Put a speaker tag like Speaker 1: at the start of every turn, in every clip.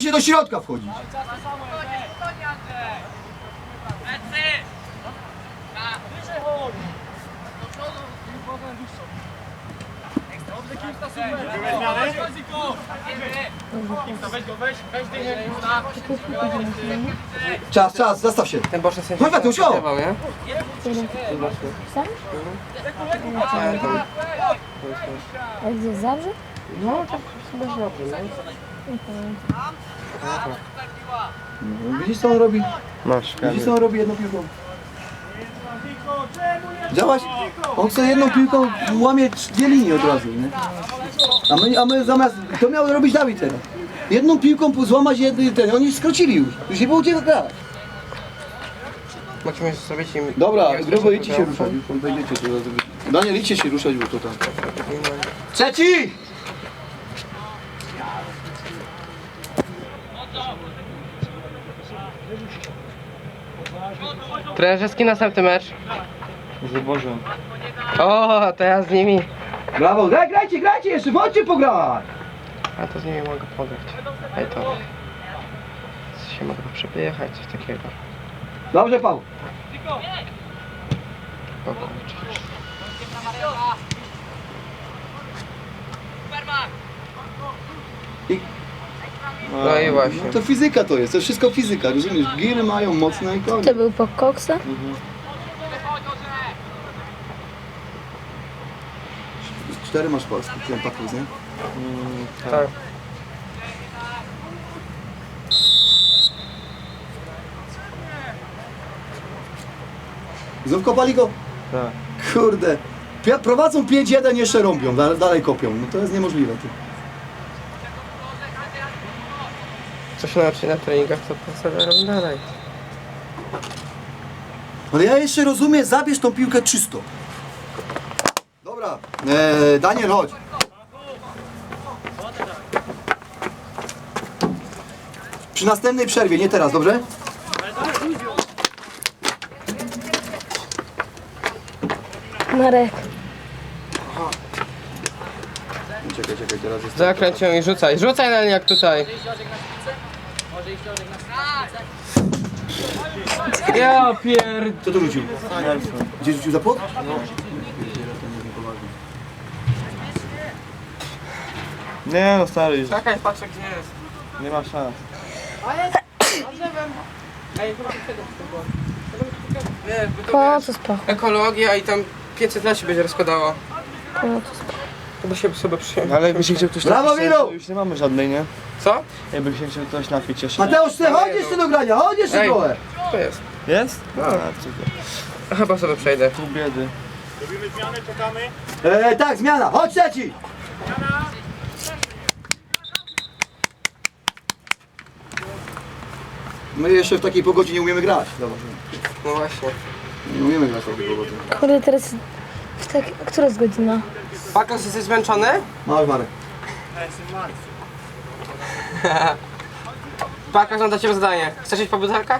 Speaker 1: się do środka wchodzić. Czas, zastaw się.
Speaker 2: Ten boczny sędzia
Speaker 1: Chodź, Mateusz, o!
Speaker 2: nie?
Speaker 3: Sam? A gdzie, Zabrze?
Speaker 2: No, tak chyba dobrze,
Speaker 1: Widzisz co on robi?
Speaker 2: Masz,
Speaker 1: Widzisz co on robi jedną piłką? Działaś? On chce jedną piłką, łamie dwie linie od razu, nie? A my zamiast, to miał robić Dawid teraz. Jedną piłką złamać ten, oni skrócili już nie było gdzie grać.
Speaker 2: Musimy zrobić im...
Speaker 1: Dobra, grubo idźcie się ruszać, już wejdziecie tu. Daniel, idźcie się ruszać, bo to tam. Trzeci!
Speaker 2: Trenerzyski następny mecz.
Speaker 4: Zabożę.
Speaker 2: O, to ja z nimi.
Speaker 1: Brawo, grajcie jeszcze, chodźcie pograć!
Speaker 2: A to z nimi mogę pograć. Ej to. Się mogę przepychać, coś takiego.
Speaker 1: Dobrze, Paweł.
Speaker 2: O kurczę. No i właśnie.
Speaker 1: To fizyka to jest wszystko fizyka, rozumiesz? Giry mają mocne i koniec.
Speaker 3: To był po koksa?
Speaker 1: Cztery masz polski, ten pakus, nie?
Speaker 2: Tak.
Speaker 1: Znów kopali go?
Speaker 4: Tak.
Speaker 1: Kurde. Prowadzą 5-1, jeszcze rąbią, dalej kopią. No to jest niemożliwe.
Speaker 2: Co się nauczy na treningach, to sobie robię dalej.
Speaker 1: Ale ja jeszcze rozumiem, zabierz tą piłkę czysto. Dobra, Daniel, chodź. Przy następnej przerwie, nie teraz, dobrze?
Speaker 3: Marek.
Speaker 1: Czekaj, teraz jest...
Speaker 2: Zakręć ją i rzucaj. Rzucaj na jak tutaj. Ja pierd...
Speaker 1: Co tu rzucił? Gdzie rzucił za płot?
Speaker 4: Nie no stary, już
Speaker 2: Czekaj, patrzę gdzie jest.
Speaker 4: nie ma szans.
Speaker 2: Wiesz, bo to
Speaker 3: Po
Speaker 2: wiesz,
Speaker 3: co spoko?
Speaker 2: ekologia i tam 500 lat się będzie rozkładało.
Speaker 3: Po co spoko?
Speaker 2: To by się sobie przyjął.
Speaker 4: No ale jakby się chciał ktoś
Speaker 1: Brawo,
Speaker 4: napić,
Speaker 1: Milu!
Speaker 4: to już nie mamy żadnej, nie?
Speaker 2: Co?
Speaker 4: Jakby się chciał ktoś napić jeszcze.
Speaker 1: Mateusz, ty chodź jeszcze do grania, chodź jeszcze
Speaker 2: Ej.
Speaker 1: trochę.
Speaker 2: To jest.
Speaker 4: Jest?
Speaker 2: No.
Speaker 4: A, super.
Speaker 2: Chyba sobie przejdę.
Speaker 4: Pół biedy.
Speaker 1: Tak, zmiana, chodź trzeci. My jeszcze w takiej pogodzie nie umiemy grać. Dobra.
Speaker 2: No właśnie.
Speaker 1: Nie umiemy grać w takiej pogodzie.
Speaker 3: Kurde, teraz... Która jest godzina?
Speaker 2: Pakas, jesteś zmęczony?
Speaker 1: Masz Marek.
Speaker 2: Pakas, mam dla ciebie zadanie. Chcesz iść po butelkę?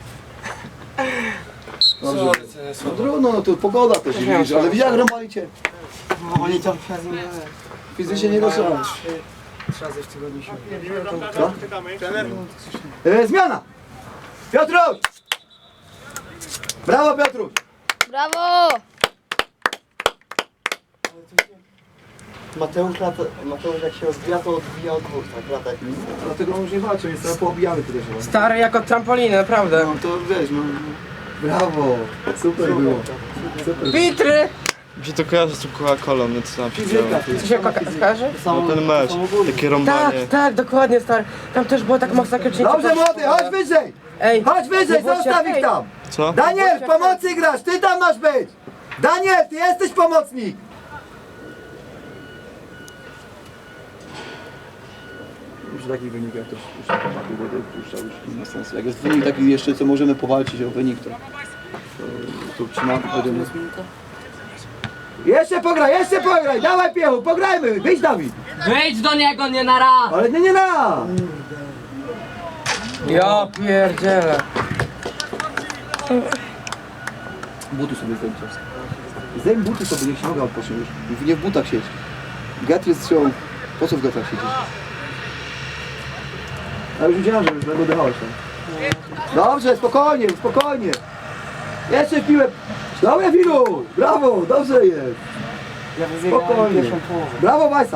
Speaker 1: Dobrze. No trudno, no to pogoda też, widzisz, ale widzisz jak rąbali cię.
Speaker 2: No oni tam
Speaker 1: Fizycznie nie doszło.
Speaker 2: 3 razy w tygodniu się.
Speaker 1: Co? Zmiana! Piotruś! Brawo Piotruś!
Speaker 3: Brawo!
Speaker 1: Mateusz jak się rozbija, to odbija od dwóch, tak lata. Dlatego on już nie walczy, więc trochę poobijamy tyle się.
Speaker 2: Stary jako trampoliny, naprawdę.
Speaker 1: No to wiesz, no... Brawo! Super było. Super.
Speaker 2: Pitry!
Speaker 4: Mi się to kojarzy z tą Coca-Colą, nie co tam się
Speaker 1: Fizyka
Speaker 4: działo.
Speaker 1: to jest.
Speaker 2: Co się skojarzy?
Speaker 4: No ten mecz, takie rąbanie.
Speaker 2: Tak, tak, dokładnie stary. Tam też było tak mocno jak
Speaker 1: Dobrze młody, chodź wyżej!
Speaker 2: Ej,
Speaker 1: Chodź wyżej,
Speaker 2: no bo
Speaker 1: zostaw
Speaker 2: się-
Speaker 1: ich tam!
Speaker 4: Co?
Speaker 1: Daniel, pomocy grasz, ty tam masz być! Daniel, ty jesteś pomocnik! Przy takich wynikach też puszcza już nie ma sensu. Jak jest wynik taki jeszcze, co możemy powalczyć o wynik, to trzymamy. Jeszcze pograj, dawaj Piechu, pograjmy, wyjdź Dawid!
Speaker 5: Wyjdź do niego, nie na raz!
Speaker 1: Ale nie na!
Speaker 2: Ja pierdzielę.
Speaker 1: Buty sobie zdejm czas. Zdejm buty sobie, niech się noga odpocznie już. Nie w butach siedź. Gatry strzał. Po co w gatrach siedzieć? A już widziałem, że już oddychałeś tam. Dobrze, spokojnie, spokojnie. Jeszcze w piłę. Dobre, Wilu! Brawo, dobrze jest. Spokojnie. Brawo, Majsa.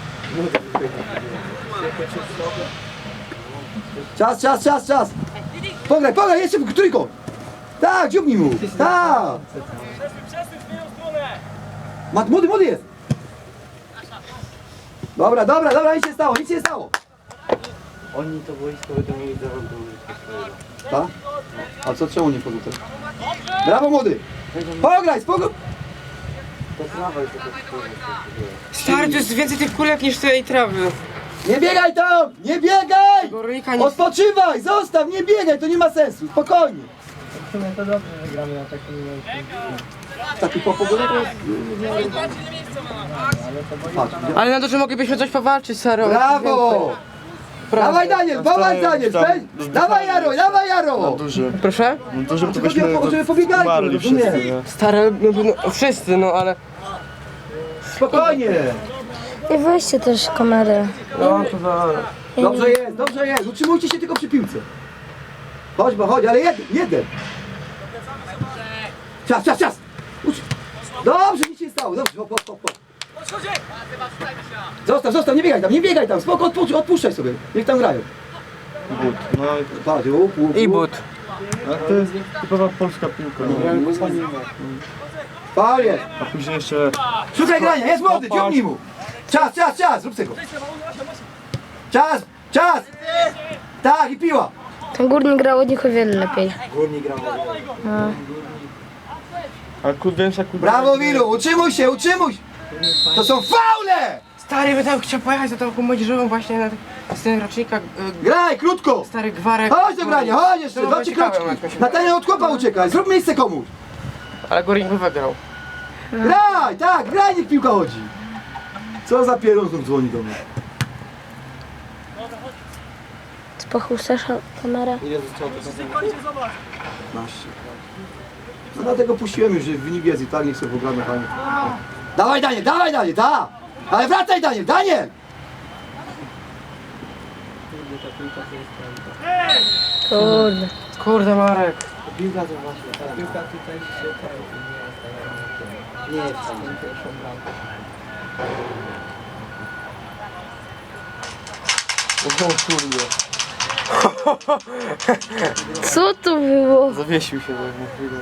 Speaker 1: Czas. Pograj, jeszcze w trójką. Tak, dziubnij mu. Tak. Młody jest. Dobra, nic się nie stało.
Speaker 2: Oni to boisko będą mieli za rok do użycia swojego.
Speaker 1: Tak? A co, czemu nie wchodzą teraz? Brawo, młody. Pograj, spokojnie.
Speaker 2: To trawa jest taka spójna.
Speaker 6: Stary, to jest więcej tych kulek niż tej trawy.
Speaker 1: Nie biegaj tam! Nie biegaj!
Speaker 6: Gorylika nie...
Speaker 1: Odpoczywaj! Zostaw! Nie biegaj! To nie ma sensu! Spokojnie!
Speaker 2: W sumie to dobrze, że gramy na takim miejscu.
Speaker 1: Taki pogoda to jest... Patrz,
Speaker 6: Ale na to, że moglibyśmy coś powalczyć, Saro.
Speaker 1: brawo! Dawaj Daniel! Dawaj Jaro!
Speaker 4: Duży.
Speaker 6: Proszę?
Speaker 4: No duży, to
Speaker 1: Tylko
Speaker 4: byśmy
Speaker 1: żeby pobiegali,
Speaker 4: umarli wszyscy,
Speaker 1: rozumiesz?
Speaker 4: nie?
Speaker 6: Stary, no, wszyscy, no ale...
Speaker 1: Spokojnie!
Speaker 3: I weźcie też kamerę.
Speaker 6: No, to za...
Speaker 1: Dobrze jest! Utrzymujcie się tylko przy piłce. Chodź, ale jeden! Czas! Dobrze, nic się nie stało. Dobrze, hop. Zostaw, nie biegaj tam. Spoko, odpuszczaj sobie. Niech tam grają.
Speaker 4: But. No i
Speaker 1: Patrz,
Speaker 6: I but.
Speaker 4: a to jest typowa polska piłka. No.
Speaker 1: Faul jest.
Speaker 4: A później jeszcze...
Speaker 1: Szukaj grania, jest młody, ciągnij mu. Czas, zrób tego. Czas. Tak, i piła.
Speaker 3: Ten Górnik grał od nich o wiele lepiej.
Speaker 4: A kudęsa.
Speaker 1: Brawo, Wilu, utrzymuj się. To są faule!
Speaker 6: Stary, by tam chciał pojechać za tą młodzieżową właśnie na z tym rocznika.
Speaker 1: Graj, krótko.
Speaker 6: Stary gwarek.
Speaker 1: Chodź do grania, chodź jeszcze,
Speaker 6: To
Speaker 1: 2
Speaker 6: było
Speaker 1: 3
Speaker 6: ciekawe,
Speaker 1: kroczki.
Speaker 6: jak mi się
Speaker 1: Natania od chłopa uciekaj, zrób miejsce komuś.
Speaker 6: Ale Górnik by wygrał.
Speaker 1: Graj, niech piłka chodzi. Co za pieron znów dzwoni do mnie.
Speaker 3: Spochuszasz kamerę?
Speaker 1: 15. No dlatego puściłem już, że wynik jest i tak niech sobie pogramy fajnie. Dawaj Daniel, da! Ale wracaj Daniel!
Speaker 3: Kurde.
Speaker 6: Kurde, Marek.
Speaker 2: Piłka to właśnie, ta piłka tutaj się nie jest tam pierwszą bramką.
Speaker 3: Co to było?
Speaker 4: Zawiesił się na chwilę.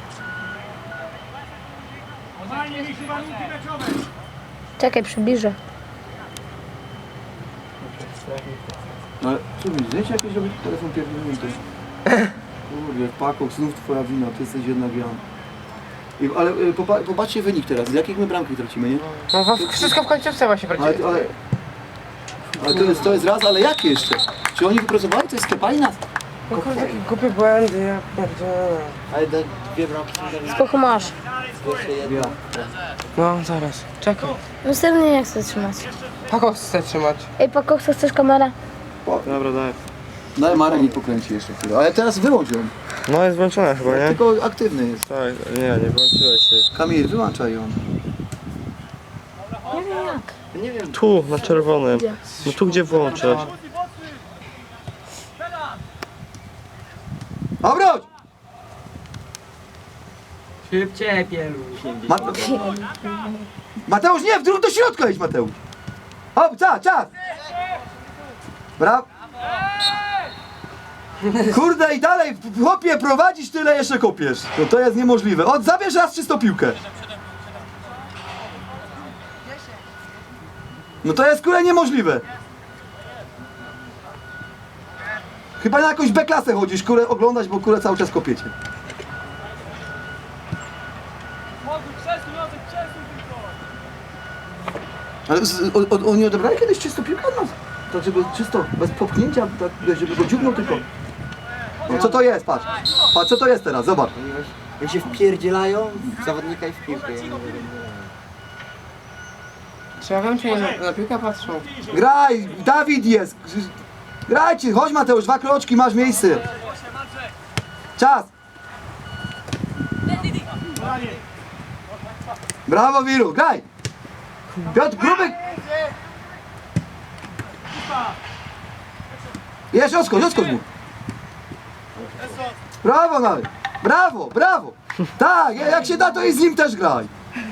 Speaker 3: Czekaj, przybliżę.
Speaker 1: No ale co mi, zdjęcia jakieś robić? Telefon pierdolnięty. Kurde, Paco, znów twoja wina, ty jesteś jednak Jan. Ale popatrzcie wynik teraz, z jakich my bramki tracimy, nie?
Speaker 6: No wszystko w końcówce właśnie prawdziwie.
Speaker 1: Ale to jest raz, ale jakie jeszcze? Czy oni wypracowali? To jest sklepali nas?
Speaker 6: No kurde, takie głupie błędy, ja pierdzielę.
Speaker 2: Ale dwie bramki są teraz
Speaker 3: Spochu masz.
Speaker 2: jeszcze jedna.
Speaker 6: No, zaraz. Czekaj.
Speaker 3: Następnie nie chcę trzymać.
Speaker 6: Pako chce trzymać.
Speaker 3: Ej, Paco, chcesz kamerę?
Speaker 4: Dobra, daj.
Speaker 1: Daj Marek mi pokręci jeszcze chwilę, ale teraz wyłącz ją.
Speaker 4: No jest włączona chyba, nie?
Speaker 1: Tylko aktywny jest.
Speaker 4: Tak, nie włączyłeś się.
Speaker 1: Kamil, wyłączaj ją.
Speaker 3: Nie wiem jak.
Speaker 2: Nie wiem,
Speaker 4: Tu, na czerwonym. No tu gdzie włączasz?
Speaker 1: Obróć!
Speaker 2: szybciej pieluś.
Speaker 1: Mateusz, nie, do środka idź, Mateusz. Hop, czas! Brawo. Kurde i dalej, chłopie, prowadzisz tyle, jeszcze kopiesz. No to jest niemożliwe. Zabierz raz czystą piłkę. No to jest kurde niemożliwe. Chyba na jakąś B-klasę chodzisz, kurę oglądać, bo kurę cały czas kopiecie. Ale oni odebrali kiedyś czysto piłkę od nas? Tak, żeby czysto, bez popchnięcia, tak, żeby go dziubnął tylko. No, co to jest, patrz. Patrz, co to jest teraz, zobacz.
Speaker 2: Jak się wpierdzielają w zawodnika i w piłkę. Ja nie wiem.
Speaker 6: Czy ja wiem, czy nie na piłkę patrzą?
Speaker 1: Graj, Dawid jest. Grajcie, chodź Mateusz, 2 kroczki, masz miejsce. Czas. Brawo Wiru, graj. Piotr, Grubek. Jeszcze odskocz mu. Brawo nawet. Brawo, brawo. Tak, jak się da, to i z nim też graj.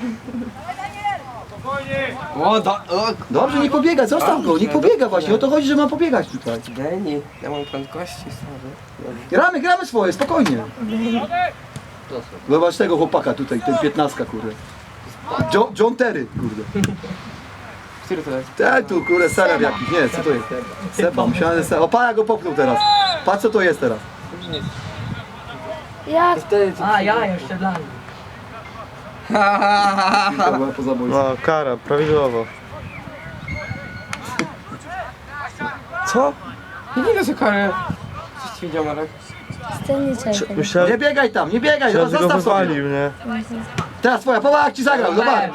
Speaker 1: Dobrze, nie pobiega, zostaw go, nie pobiega właśnie, o to chodzi, że ma pobiegać tutaj.
Speaker 6: Deni, na moją prędkości, stary.
Speaker 1: Gramy swoje, spokojnie. Zobacz tego chłopaka tutaj, ten 15, kurde. John Terry, kurde.
Speaker 6: Który to jest?
Speaker 1: Ten tu, kurde, serem jakiś, nie, co to jest? Sepa, myślałem, że sepa. O, pana go popchnął teraz. Patrz, co to jest teraz.
Speaker 3: Jak?
Speaker 5: A, ja jeszcze dla mnie.
Speaker 1: To była po zabójstwie.
Speaker 4: No, kara, prawidłowo. Co?
Speaker 6: Nie widzę co karę. Coś ci widział, Marek?
Speaker 3: Sterniczek.
Speaker 1: Nie
Speaker 4: Myślałem,
Speaker 1: biegaj tam, nie biegaj,
Speaker 4: że go
Speaker 1: zostaw sobie.
Speaker 4: wywalił, nie?
Speaker 1: Teraz twoja, popatrz jak ci zagrał, zobacz.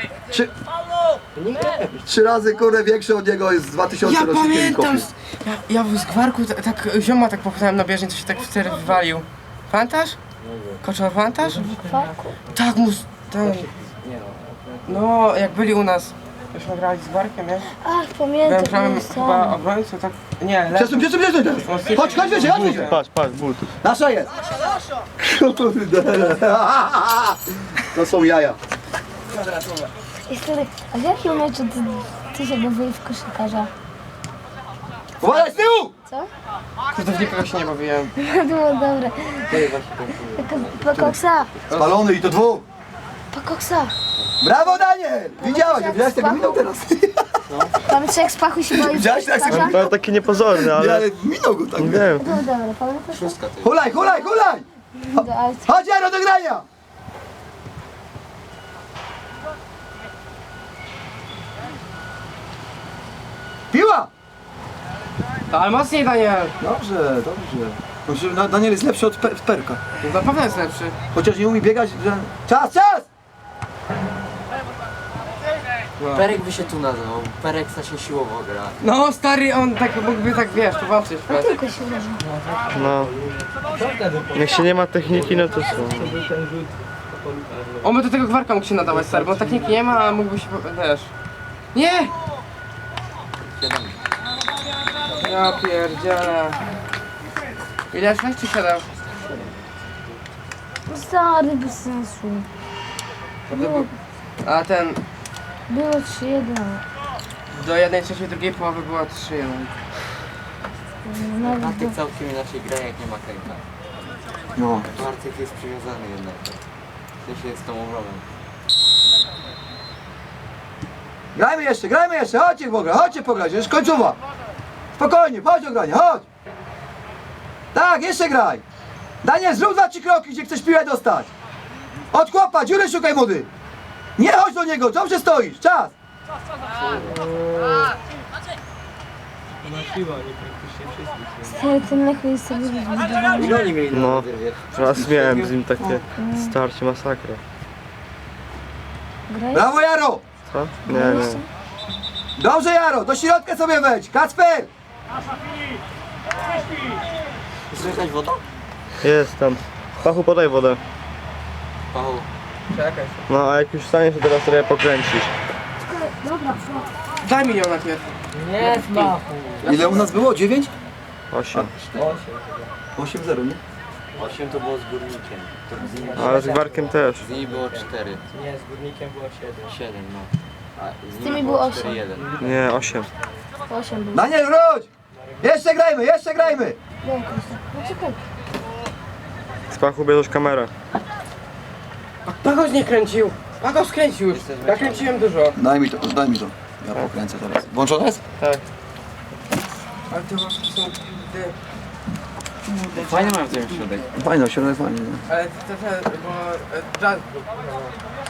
Speaker 1: Trzy razy, kurde, większy od niego jest z 2000
Speaker 6: Ja
Speaker 1: rocznikiem
Speaker 6: pamiętam!
Speaker 1: kopie.
Speaker 6: Ja w zgwarku tak zioma tak popchnąłem na bieżni, to się tak w cer wywalił. Pamiętasz? Koczor, pamiętasz? Tak, ten... No, jak byli u nas. Myśmy grali z Gwarkiem, nie?
Speaker 3: Ach,
Speaker 6: Byłem
Speaker 3: pamiętam.
Speaker 6: prawym
Speaker 3: jest
Speaker 6: chyba
Speaker 3: tam.
Speaker 6: obrońcą, tak... Nie,
Speaker 1: Przesuń teraz. Chodź wyżej, chodź wyżej.
Speaker 4: Patrz, but.
Speaker 1: Nasza jest. Kurde. To są jaja.
Speaker 3: I stary, a w jakim meczu ty się bawiłeś w koszykarza?
Speaker 1: Uważaj z tyłu!
Speaker 3: Co?
Speaker 6: kurde, w nikogo się nie bawiłem.
Speaker 3: Było dobre. Pakoksa,
Speaker 1: Spalony i to dwóch.
Speaker 3: pakoksa.
Speaker 1: Brawo, Daniel! Widziałeś tego minął teraz.
Speaker 3: Tam trzech spachu się boi w
Speaker 1: Widziałeś, jak
Speaker 3: koszykarza?
Speaker 1: sobie-
Speaker 4: To taki niepozorny,
Speaker 1: Nie,
Speaker 4: ale...
Speaker 1: ale minął go tak.
Speaker 4: Nie wiem.
Speaker 3: Było dobre, pamiętasz?
Speaker 1: Hulaj!
Speaker 3: Ale
Speaker 1: Chodź, Jaro, do grania! Piła!
Speaker 6: Ale mocniej, Daniel!
Speaker 1: Dobrze. Daniel jest lepszy od Perka.
Speaker 6: Na pewno jest lepszy.
Speaker 1: Chociaż nie umie biegać, że... Czas!
Speaker 5: Perek by się tu nazywał. Perek się siłowo gra.
Speaker 6: No, stary, on tak mógłby tak, wiesz, popatrzeć.
Speaker 3: tylko się uderzył.
Speaker 4: No. Jak się nie ma techniki, no to co?
Speaker 6: On by do tego Gwarka mógł się nadawać, stary, bo techniki nie ma, a mógłby się, wiesz... Nie! Ja pierdzielę. Ile? 6 czy 7?
Speaker 3: Stary, bez sensu.
Speaker 6: A ten...
Speaker 3: Było 3-1.
Speaker 6: Do 1/3 drugiej połowy była 3-1.
Speaker 3: Nawet
Speaker 5: Bartek całkiem inaczej gra, jak nie ma Kejta.
Speaker 1: No.
Speaker 5: Bartek jest przywiązany jednak. W sensie jest tą obroną.
Speaker 1: Grajmy jeszcze, chodźcie pograć, już końcowa. Spokojnie, chodź do grania, chodź. Tak, jeszcze graj. Daniel, zrób 2-3 kroki, gdzie chcesz piłę dostać. Od chłopa, dziury szukaj, młody. Nie chodź do niego, dobrze stoisz, czas.
Speaker 3: stary, ten lechu jest sobie wybudowany.
Speaker 5: Ile oni mieli
Speaker 4: No.
Speaker 5: na wyrwie?
Speaker 4: Raz miałem z nim takie starcie, masakra.
Speaker 3: Graj?
Speaker 1: Brawo, Jaro.
Speaker 4: Co? Nie.
Speaker 1: Dobrze, Jaro, do środka sobie wejdź. Kacper.
Speaker 5: Słychać woda?
Speaker 4: Jest tam. Pachu, podaj wodę.
Speaker 5: Paweł.
Speaker 6: Czekaj.
Speaker 4: No, a jak już staniesz, to teraz trochę pokręcisz.
Speaker 6: Daj mi ją najpierw.
Speaker 5: Nie, Paweł.
Speaker 1: Ile u nas było? 9?
Speaker 4: 8.
Speaker 1: 8-0, nie?
Speaker 5: 8 to było z górnikiem. To z nimi,
Speaker 4: Ale z Gwarkiem też.
Speaker 5: z nimi było 4.
Speaker 7: Nie, z górnikiem było 7.
Speaker 5: 7, no. A z
Speaker 3: tymi było 8.
Speaker 5: 4-1.
Speaker 4: Nie, 8.
Speaker 3: 8 było.
Speaker 1: Daniel, wróć. Jeszcze grajmy.
Speaker 3: Daj, Krzysztof. No czekaj.
Speaker 4: Z Pachu bierzesz kamerę.
Speaker 6: Pagoś nie kręcił. Pagoś skręcił już. Ja kręciłem dużo.
Speaker 1: Daj mi to. Ja pokręcę teraz. Włączone jest?
Speaker 6: Ale te łapki są...
Speaker 5: Fajnie mają w tym środek.
Speaker 1: Fajno, środek fajnie.
Speaker 6: Ale te, bo...